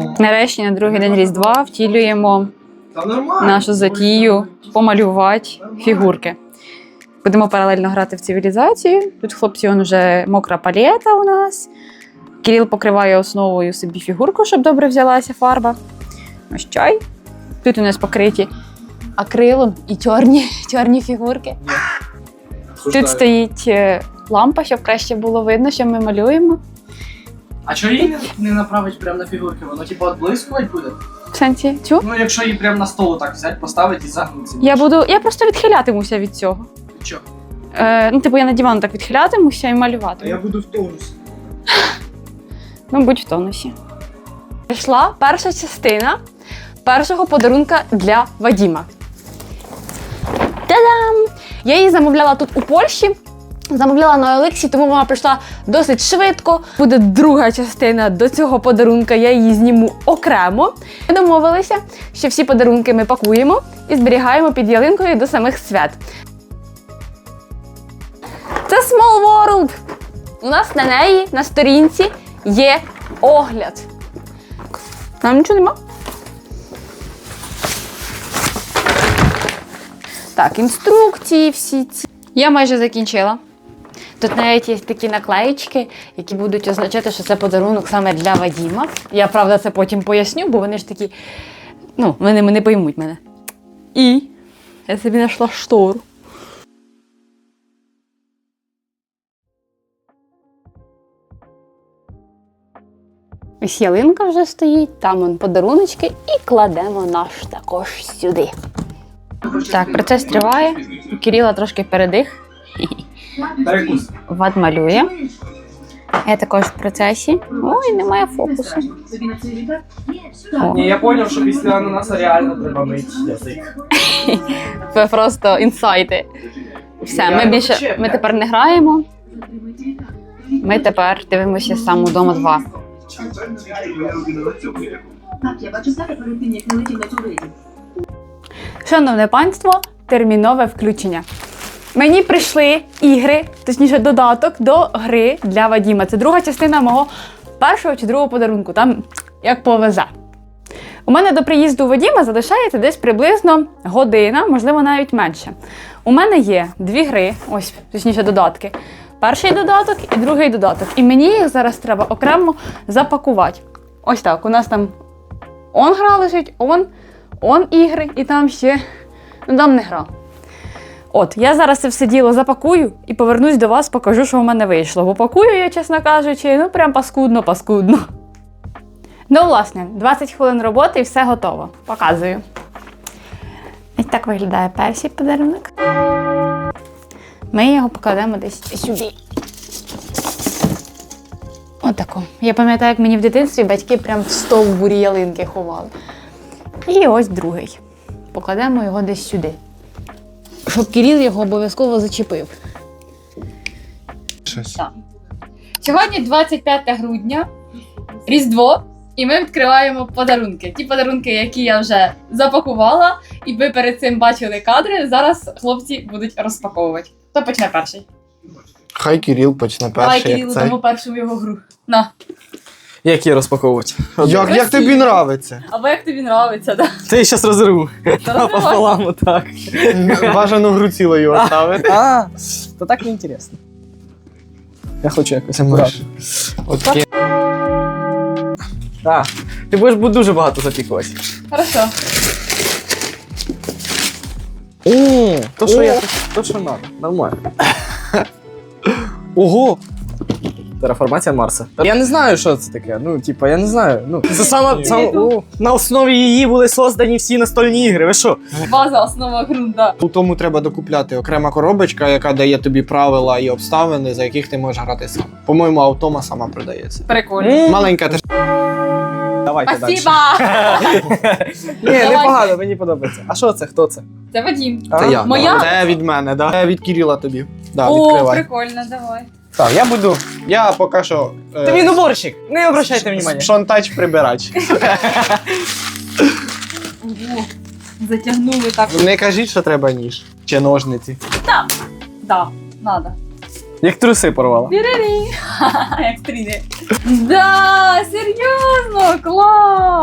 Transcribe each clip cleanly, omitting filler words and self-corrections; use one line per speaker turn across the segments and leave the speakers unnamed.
Нарешті на другий день Різдва втілюємо нашу затію помалювати фігурки. Будемо паралельно грати в цивілізацію. Тут хлопці, вже мокра палета у нас. Кирил покриває основою собі фігурку, щоб добре взялася фарба. Ось чай. Тут у нас покриті акрилом і чорні фігурки. Тут стоїть лампа, щоб краще було видно, що ми малюємо.
А чого її не направить прямо на фігурки? Воно типу відблискувати буде?
В сенсі, чу?
Ну якщо її прямо на столу так взяти, поставити і загнути.
Я просто відхилятимуся від цього.
Чого?
Я на диван так відхилятимуся і малювати.
А я буду в тонусі.
Ну, будь в тонусі. Прийшла перша частина першого подарунка для Вадіма. Та-дам! Я її замовляла тут у Польщі. Замовляла на Олексі, тому вона прийшла досить швидко. Буде друга частина до цього подарунка, я її зніму окремо. Ми домовилися, що всі подарунки ми пакуємо і зберігаємо під ялинкою до самих свят. Це Small World! У нас на неї, на сторінці, є огляд. Там нічого нема. Так, інструкції всі ці. Я майже закінчила. Тут навіть є такі наклеїчки, які будуть означати, що це подарунок саме для Вадіма. Я, правда, це потім поясню, бо вони ж такі, вони не поймуть мене. І я собі знайшла штору. Ось ялинка вже стоїть, там вон подаруночки і кладемо наш також сюди. Так, процес триває. У Кирила трошки передих.
Перекус.
Вад малює. Я також в процесі. Ой, немає фокусу.
Ні, я зрозумів, що після ананаса реально треба мити язик.
Це просто інсайти. Все, ми тепер не граємо. Ми тепер дивимося сам удома 2. Шановне панство, термінове включення. Мені прийшли ігри, точніше додаток до гри для Вадіма. Це друга частина мого першого чи другого подарунку, там як повезе. У мене до приїзду Вадіма залишається десь приблизно година, можливо навіть менше. У мене є 2 гри, ось, точніше додатки. Перший додаток і другий додаток. І мені їх зараз треба окремо запакувати. Ось так, у нас там гра лежить, ігри, і там ще, там не гра. От, я зараз це все діло запакую і повернусь до вас, покажу, що в мене вийшло. Бо пакую я, чесно кажучи, прям паскудно. Власне, 20 хвилин роботи і все готово. Показую. Ось так виглядає перший подарунок. Ми його покладемо десь сюди. Отако. Я пам'ятаю, як мені в дитинстві батьки прям в стовбурі ялинки ховали. І ось другий. Покладемо його десь сюди. Щоб Кирил його обов'язково зачепив. Так. Сьогодні 25 грудня, Різдво, і ми відкриваємо подарунки. Ті подарунки, які я вже запакувала, і ви перед цим бачили кадри, зараз хлопці будуть розпаковувати. Хто почне перший?
Хай Кирил почне перший.
Давай Кирилу дамо першу його гру. На.
Як її розпаковувати?
Як тобі нравиться?
Або як тобі нравиться, так?
Ти її зараз розірву. Пополам отак.
Бажану гру цілою оставити.
То так не інтересно. Я хочу якось
Це
акуратно.
Окей.
Так. Ти будеш дуже багато запікувати.
Хорошо.
То, що треба. Нормально. Ого! Терраформація Марса. Я не знаю, що це таке. Я не знаю. Це саме на основі її були создані всі настольні ігри. Ви що?
База, основа ґрунта.
У тому треба докупляти окрема коробочка, яка дає тобі правила і обставини, за яких ти можеш грати сам. По-моєму, автома сама продається.
Прикольно.
Маленька теж.
Давайте далі.
Спасибо!
Ні, непогано, мені подобається. А що це? Хто це?
Це Вадім.
Це я.
Моя?
Це від мене, да? Це від Кирила тобі. Да,
О,
відкривай.
прикольно, давай.
Так, я буду.
Я поки що...
Ти він уборщик, не обращайте внимання.
Шонтач прибирач.
Ого, затягнули так.
Не кажіть, що треба ніж. Чи ножниці.
Да, надо.
Як труси порвала.
Як стріни. Да, серйозно, клас!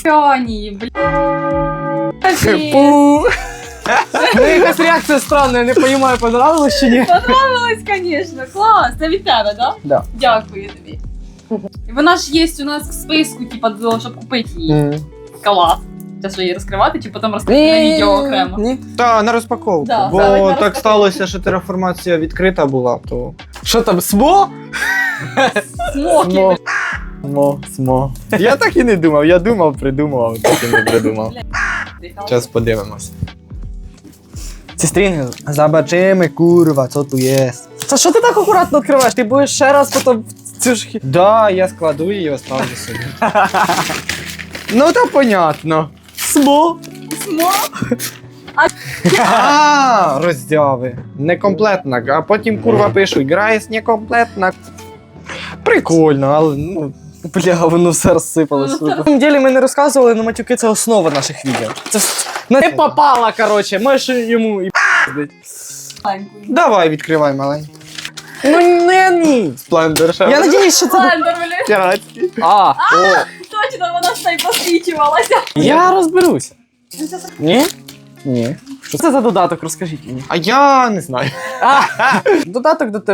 Пьоні, блядь.
Фу. Ну, якась реакція странна, я не розумію, понравилось чи ні?
Понравилось, звісно. Клас. Це від тебе, да?
Да.
Дякую тобі. І вона ж є у нас в списку, типа, щоб купити її. Клас. Зараз її розкривати, чи потім розкрити на відео окремо.
Ні.
Та на розпаковку.
Да,
бо
ставить на
так
розпаковку.
сталося, що тераформація відкрита була, то.
Що там, СМО?
Смоки,
Смо. Я так і не думав, я думав, придумав, а так і не придумав.
блядь.
Зараз подивимось. Ці стрінги.
Забачимо, курва, що тут є.
Та що ти так акуратно відкриваєш? Ти будеш ще раз потім цю ж
Да, я складу її і оставлю собі. Ну, то понятно.
СМО.
Смок?
А, роздяви. Некомплетна, а потім курва пишуть, грає некомплетна. Прикольно, але ну.
Бля, воно все розсипалось. На самом деле ми не розказували, але матюки це основа наших відео. Це не попала, коротше, можеш йому і пиздить.
Давай, відкривай маленький.
Ну не ні.
Сплендер ще.
Я надіюсь, що це
Слендер, блядь.
піратський.
А,
Точно, вона ж та й посвічувалася.
я розберусь. Ні? Ні. Що це за додаток, розкажіть мені.
А я не знаю.
Додаток до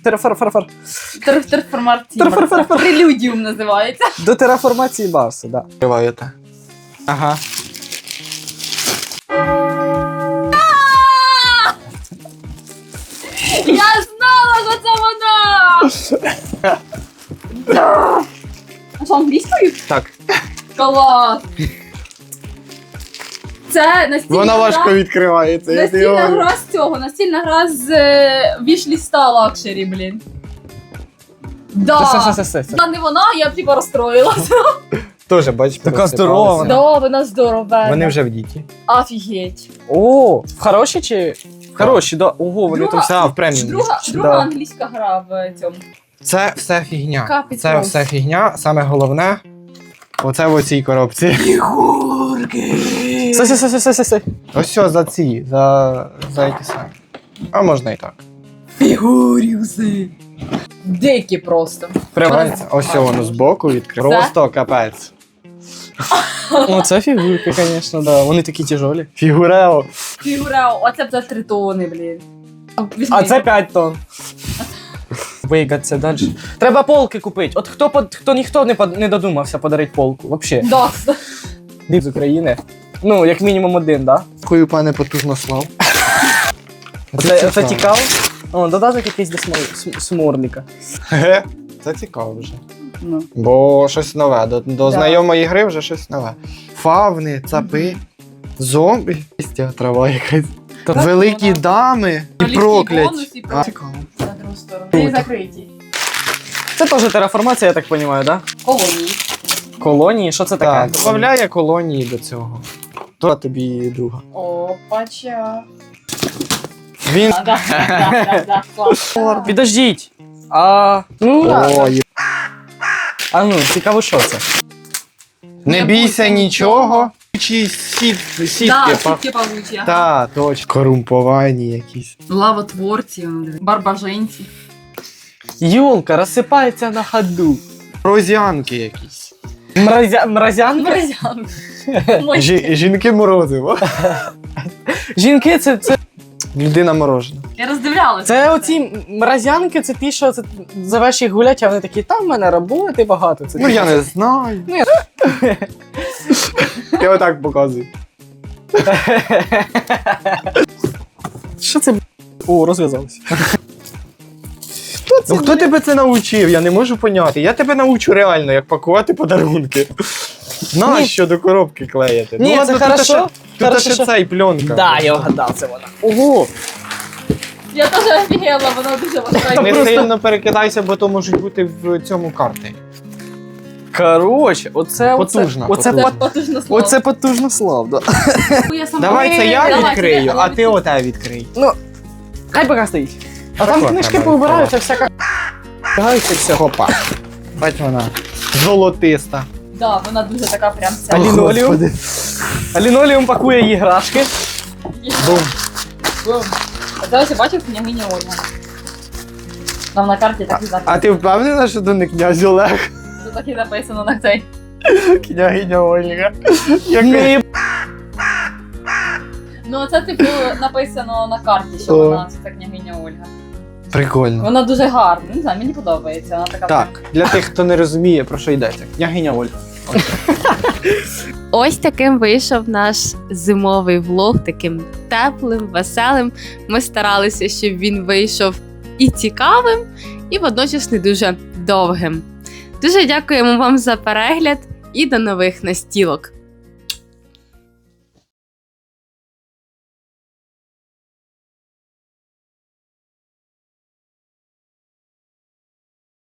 Терформація. Прелюдіум називається.
до тераформації Барса, да.
Відкриваєте. Ага.
Я знала, що це вона! А що, англійською?
Так.
Клас! Це настільна
Вона
гра-
важко відкривається. я тобі
Настільна
говорю.
гра з цього, настільна гра з вішліста лакшері, блін. Да.
Це.
Вона не вона, я б типа розстроїлася.
Теж, бачиш,
Така
порозсипалася.
здорова вона.
Да, вона здорова.
Вони вже в діті.
Офігеть.
О, в хороші чи? Хороші, да. Ого, вони там
Все, в преміумі.
Друга
Да.
англійська гра в цьому.
Це все фігня.
Капець
Це
просто.
все фігня. Саме головне, оце в оцій коробці.
Стой.
Ось все за ці, за ті самі. А можна і так.
Фігурюси. Дикі просто.
Привається. Ось все воно збоку відкрив.
Це?
Просто капець.
О, це фігурки, звісно, да. Вони такі тяжолі.
Фігурео.
Фігура, оце б за 3 тони, блін.
А це 5 тонн. Вигаться далі. Треба полки купити. От ніхто не додумався подарити полку. Вообще.
Да.
Див з України. Ну, як мінімум один, да?
Дякую, пане Потужнослав.
Це цікаво. О, додаток якийсь до сморліка.
Ге, це цікаво вже.
Ну.
Бо щось нове. До
Да.
знайомої гри вже щось нове. Фавни, цапи, зомбі. Листя, трава якась. Великі дами і
Великий
прокляті.
бонус і
А, цікаво.
На другу сторону. Вони закриті.
Це теж тераформація, я так розумію, да?
Колонії.
Колонії, що це
Так,
таке?
додає колонії до цього. То тобі друга.
Опача.
Він.
Да, клас.
Підождіть.
Ой,
А ну, цікаво, що це?
не бійся нічого. Чи сітки.
Да, сітки павучі. ага.
Та, точно. Корумповані якісь.
Лавотворці, барбаженці.
Юлка розсипається на ходу.
Розянки якісь.
Мразянка?
Морозян.
Жінки морозиво.
Жінки це
Людина морожена.
Я роздивлялася.
Це оці мразянки, це ті, що зовеш їх гуляти, а вони такі, там в мене роботи багато. Це
Ну я не знаю.
Ну,
Я отак показую.
Що це? О, розв'язалося.
Ну хто тебе це навчив? Я не можу поняти. Я тебе навчу реально, як пакувати подарунки. Нащо до коробки клеїти?
Ні,
ладно,
це
тут
хорошо.
ще- Тут
Хорошо,
ще
що-
цей пленка.
Да, я вгадав, це вона. Ого!
Я теж офігела, вона дуже важка.
Не
Просто-
сильно перекидайся, бо то можуть бути в цьому карти.
Коротше, оце
Потужно,
Оце
потужно.
Потужно слово.
Оце потужно слав, да.
Я сама-
Давай це я
Давай,
відкрию,
це я
а ти оте відкрий.
Хай поки стоїть. А там
Так,
книжки
треба
повибираються, всяка. Гаються все.
Хопа. Бать вона. Золотиста.
Да, вона дуже така прям ця.
А лінолеум? А лінолеум пакує їграшки.
Бум.
Бум. А зараз я бачив княгиня Ольга. Там на карті так і
А
записано.
ти впевнена, що то не князь Олег?
Так і написано на цей.
Княгиня Ольга.
Не
Ну, це, типу, написано на карті, що
О.
вона це княгиня Ольга.
Прикольно.
Вона дуже гарна, не знаю, мені подобається. Вона така.
Так, для тих, хто не розуміє, про що йдеться. Княгиня Ольга.
Ось таким вийшов наш зимовий влог, таким теплим, веселим. Ми старалися, щоб він вийшов і цікавим, і водночас не дуже довгим. Дуже дякуємо вам за перегляд і до нових настілок.